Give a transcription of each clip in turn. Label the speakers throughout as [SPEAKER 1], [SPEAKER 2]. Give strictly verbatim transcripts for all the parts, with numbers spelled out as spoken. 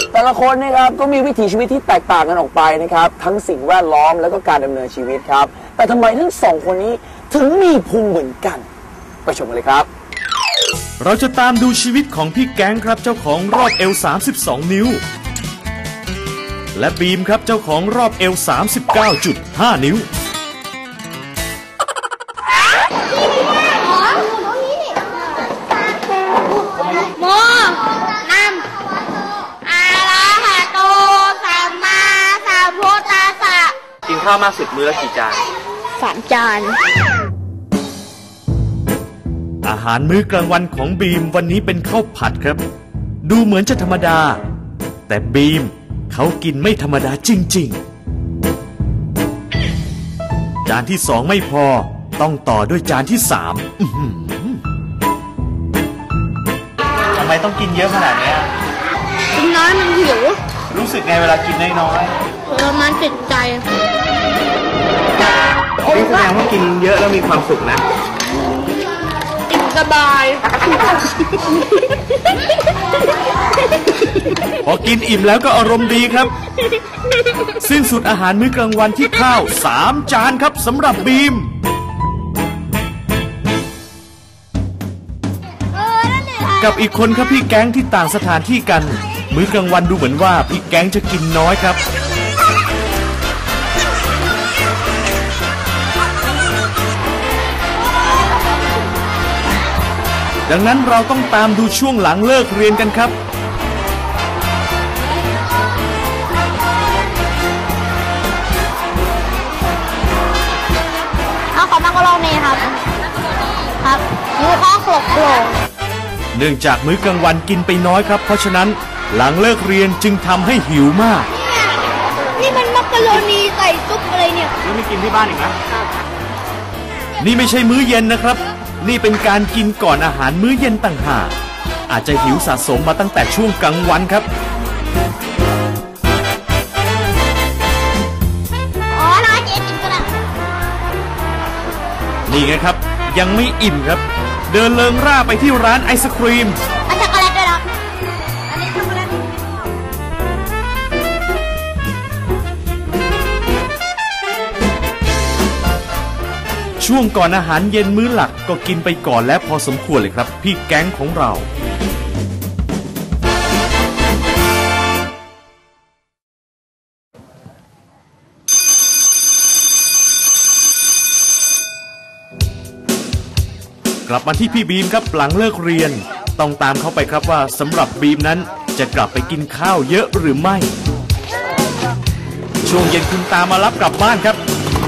[SPEAKER 1] แต่ละคนนะครับก็มีวิถีชีวิตที่แตกต่างกันออกไปนะครับทั้งสิ่งแวดล้อมแล้วก็การดำเนินชีวิตครับแต่ทำไมทั้งสองคนนี้ถึงมีพุงเหมือนกันไปชมกันเลยครับ
[SPEAKER 2] เราจะตามดูชีวิตของพี่แก๊งครับเจ้าของรอบเอวสามสิบสองนิ้วและบีมครับเจ้าของรอบเอว สามสิบเก้าจุดห้า นิ้ว
[SPEAKER 3] โมนัมอาลาหะโตสัมมาสัมพุทธัสสะ
[SPEAKER 4] กินข้าวมากสุดมื้อละกี่จาน
[SPEAKER 3] สามจาน
[SPEAKER 2] อาหารมื้อกลางวันของบีมวันนี้เป็นข้าวผัดครับดูเหมือนจะธรรมดาแต่บีมเขากินไม่ธรรมดาจริงๆจานที่สองไม่พอต้องต่อด้วยจานที่สาม
[SPEAKER 4] ทำไมต้องกินเยอะขนาดนี้
[SPEAKER 3] กินน้อยมันหิว
[SPEAKER 4] รู้สึกไงเวลากินน้อย
[SPEAKER 3] ๆแล้วมันติดใจ
[SPEAKER 4] นี่แสดงว่ากินเยอะแล้วมีความสุขนะ
[SPEAKER 3] กินสบาย
[SPEAKER 2] พอกินอิ่มแล้วก็อารมณ์ดีครับสิ้นสุดอาหารมื้อกลางวันที่ข้าวสามจานครับสำหรับบีมกับอีกคนครับพี่แก๊งที่ต่างสถานที่กันมื้อกลางวันดูเหมือนว่าพี่แก๊งจะกินน้อยครับดังนั้นเราต้องตามดูช่วงหลังเลิกเรียนกันครับ
[SPEAKER 3] เอาขอมาก็ลองนี่ครับครับนี่ข้อขลบโผล่
[SPEAKER 2] เนื่องจากมื้อกลางวันกินไปน้อยครับเพราะฉะนั้นหลังเลิกเรียนจึงทำให้หิวมาก
[SPEAKER 3] นี่มันมักกะโรนีใส่ซุปอะไรเนี่ย
[SPEAKER 4] แล้วไม่กินที่บ้านอีกนะ
[SPEAKER 2] นี่ไม่ใช่มื้อเย็นนะครับนี่เป็นการกินก่อนอาหารมื้อเย็นต่างหากอาจจะหิวสะสมมาตั้งแต่ช่วงกลางวันครับ
[SPEAKER 3] อ๋อร้านเจ๊กินกันละ
[SPEAKER 2] นี่ไงครับยังไม่อิ่มครับเดินเลิงร่าไปที่ร้านไอศครีม
[SPEAKER 3] อันช็อกโกแลตด้วยนะอันนี้ช็อกโกแลต
[SPEAKER 2] ช่วงก่อนอาหารเย็นมื้อหลักก็กินไปก่อนแล้วพอสมควรเลยครับพี่แก๊งของเรากลับมาที่พี่บีมครับหลังเลิกเรียนต้องตามเขาไปครับว่าสำหรับบีมนั้นจะกลับไปกินข้าวเยอะหรือไม่ช่วงเย็นคุณตามารับกลับบ้านครับ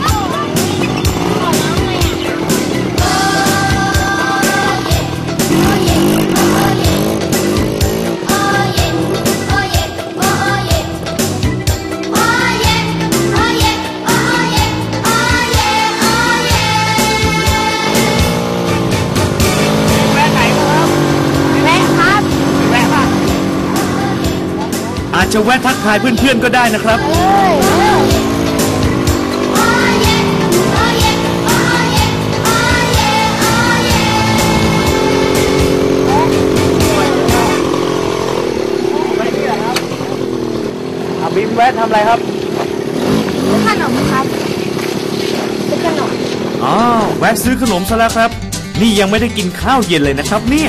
[SPEAKER 2] อาจจะแวะทักทายเพื่อนๆก็ได้นะครับ
[SPEAKER 4] บีมแวะทำอะไรครับ
[SPEAKER 3] ซื้อขนมครับซื้อขนม
[SPEAKER 2] อ๋อแวะซื้อขนมซะแล้วครับนี่ยังไม่ได้กินข้าวเย็นเลยนะครับเนี่ย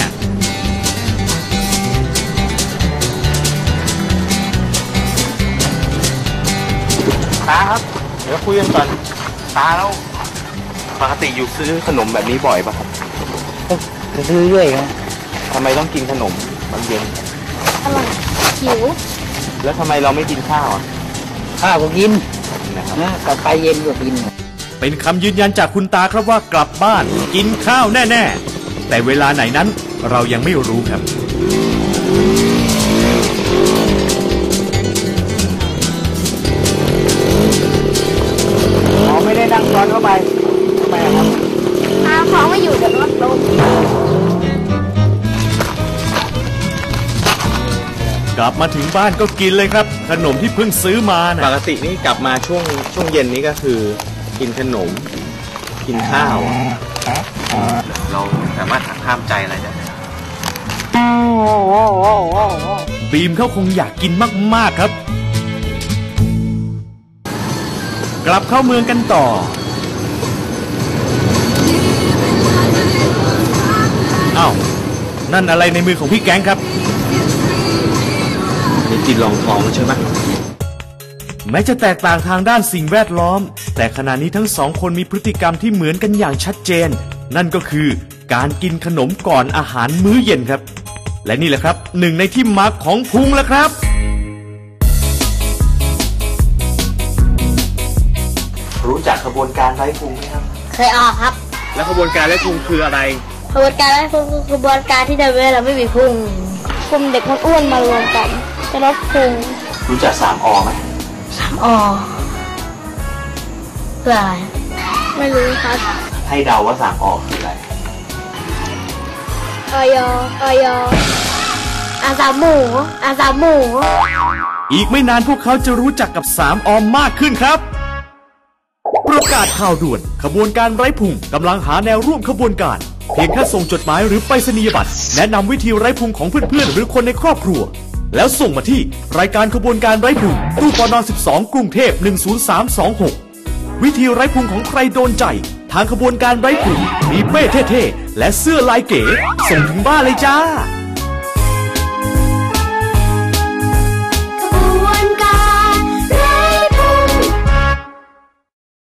[SPEAKER 4] ตาครับเดี๋ยวคุยกันก่อนตาแล้วปกติอยู่ซื้อขนมแบบนี้บ่อยป่ะครับ
[SPEAKER 1] ก็ซื้อเรื่อยครับ
[SPEAKER 4] ทำไมต้องกินขนมตอนเย็น
[SPEAKER 3] อร่อยหิว
[SPEAKER 4] แล้วทำไมเราไม่กินข้าวอ่ะ
[SPEAKER 1] ข้าวก็กินนะกลับไปเย็นก็กิน
[SPEAKER 2] เป็นคำยืนยันจากคุณตาครับว่ากลับบ้านกินข้าวแน่ๆแต่เวลาไหนนั้นเรายังไม่รู้ครับ
[SPEAKER 1] ไม่ได้นั่งซ้อนเข้าไปทำไมครับ
[SPEAKER 3] หาของไม่อยู่เดี๋ยวรถลง
[SPEAKER 2] กลับมาถึงบ้านก็กินเลยครับขนมที่เพิ่งซื้อมานะ
[SPEAKER 4] ปกตินี่กลับมาช่วงช่วงเย็นนี้ก็คือกินขนมกินข้าวเราสามารถหักห้ามใจอะไรได้
[SPEAKER 2] บีมเขาคงอยากกินมากๆครับกลับเข้าเมืองกันต่ออ้าวนั่นอะไรในมือของพี่แก๊งครับ
[SPEAKER 4] นี่กินรองท้องใช่ไหม
[SPEAKER 2] แม้จะแตกต่างทางด้านสิ่งแวดล้อมแต่ขณะนี้ทั้งสองคนมีพฤติกรรมที่เหมือนกันอย่างชัดเจนนั่นก็คือการกินขนมก่อนอาหารมื้อเย็นครับและนี่แหละครับหนึ่งในที่มาของพุงแล้วครับ
[SPEAKER 4] รู้จักขบวนการไร้พุงไหมครับ
[SPEAKER 3] เคยออกครับ
[SPEAKER 4] แล้วขบวนการไร้พุงคืออะไร
[SPEAKER 3] ขบวนการไร้พุงคือขบวนการที่ทำให้เราไม่มีพุงคุมเด็กคนอ้วนมารวมกันจะลดพุง
[SPEAKER 4] รู้จักสามอไหม
[SPEAKER 3] สามอเพื่ออะไรไม่รู้ครับ
[SPEAKER 4] ให้เดาว่าสามอคืออะไร
[SPEAKER 3] ออยออยอาสามหมูอาสามหมู
[SPEAKER 2] อีกไม่นานพวกเขาจะรู้จักกับสามอมากขึ้นครับประกาศข่าวด่วนขบวนการไร้พุงกำลังหาแนวร่วมขบวนการเพียงแค่ส่งจดหมายหรือไปรษณียบัตรแนะนำวิธีไร้พุงของเพื่อนๆหรือคนในครอบครัวแล้วส่งมาที่รายการขบวนการไร้พุงตู้ปนสิบสองกรุงเทพหนึ่งศูนย์สามสองหกวิธีไร้พุงของใครโดนใจทางขบวนการไร้พุงมีเป้เท่ๆและเสื้อลายเก๋ส่งถึงบ้านเลยจ้า